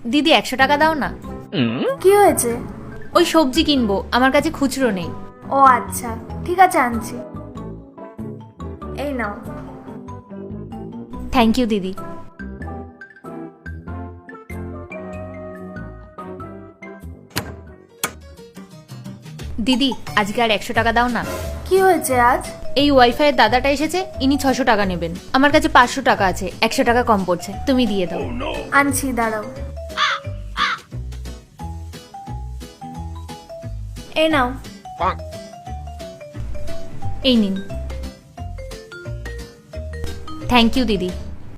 দিদি 100 টাকা দাও না। কি হয়েছে? ওই সবজি কিনবো, আমার কাছে খুচরো নেই। ও আচ্ছা, ঠিক আছে আনছি। এই নাও। থ্যাংক ইউ দিদি। দিদি আজকে আর 100 টাকা দাও না। কি হয়েছে আজ? এই ওয়াইফাই এর দাদাটা এসেছে, ইনি 600 টাকা নেবেন। আমার কাছে 500 টাকা আছে, 100 টাকা কম পড়ছে, তুমি দিয়ে দাও। আনছি, দাঁড়াও। এই নাও। এই নিন। থ্যাংক ইউ দিদি।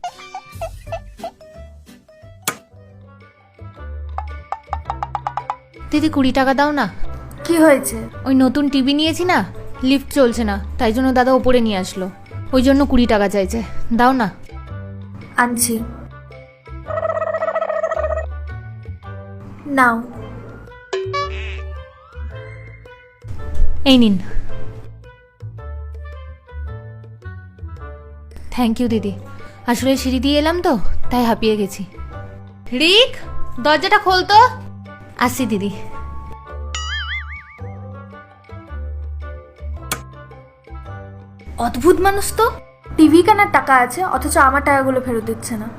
দিদি 20 টাকা দাও না। কি হয়েছে? ওই নতুন টিভি নিয়েছি না, লিফট চলছে না, তাই জন্য দাদা ওপরে নিয়ে আসলো, ওই জন্য 20 টাকা চাইছে, দাও না। আনছি, নাও। এই নিন। থ্যাংক ইউ দিদি। আসলে সিঁড়ি দিয়ে এলাম তো, তাই হাঁপিয়ে গেছি। রিক, দরজাটা খোল তো। আসি দিদি। অদ্ভুত মানুষ তো, টিভি কেনার টাকা আছে অথচ আমার টাকাগুলো ফেরত দিচ্ছে না।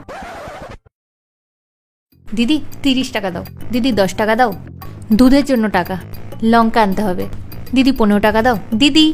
দিদি 30 টাকা দাও। দিদি 10 টাকা দাও। দুধের জন্য টাকা, লঙ্কা আনতে হবে। দিদি 15 টাকা দাও। দিদি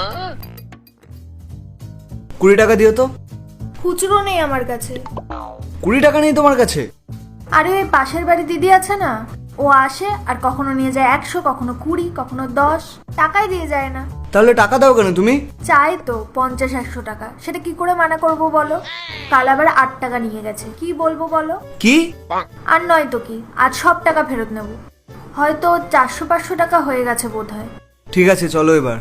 20 টাকা দিও তো। খুচরো নেই আমার কাছে। 20 টাকা নেই তোমার কাছে? আরে ওই পাশের বাড়ি দিদি আছে না, ও আসে আর কখনো নিয়ে যায় 100, কখনো 20, কখনো 10, টাকাই দিয়ে যায় না। তাহলে টাকা দাও কেন তুমি? চাই তো 50-100 টাকা, সেটা কি করে মানা করব বলো? কাল আবার 8 টাকা নিয়ে গেছে, কি বলবো বলো? কি? আর নয় তো কি, আজ সব টাকা ফেরত নেব। হয়তো 400-500 টাকা হয়ে গেছে বোধ হয়। ঠিক আছে চলো এবার।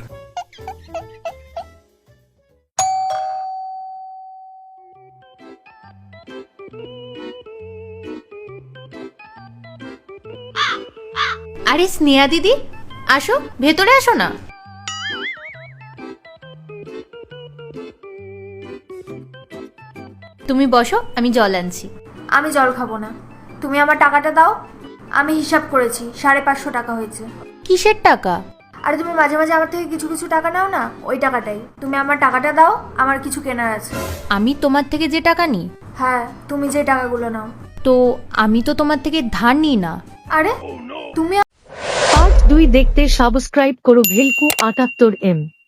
আরে স্নেহা দিদি, আসো, ভেতরে আসো না। তুমি বসো, আমি জল আনছি। আমি জল খাবো না, তুমি আমার টাকাটা দাও। আমি হিসাব করেছি, 550 টাকা হয়েছে। কিসের টাকা? আরে তুমি মাঝে মাঝে আমার থেকে কিছু কিছু টাকা নাও না, ওই টাকাটাই। তুমি আমার টাকাটা দাও, আমার কিছু কেনার আছে। আমি তোমার থেকে যে টাকা নিই? হ্যাঁ, তুমি যে টাকাগুলো নাও। তো আমি তো তোমার থেকে ধার নিই না। আরে তুমি পার্ট 2 দেখতে সাবস্ক্রাইব করো ভেলকু 78M।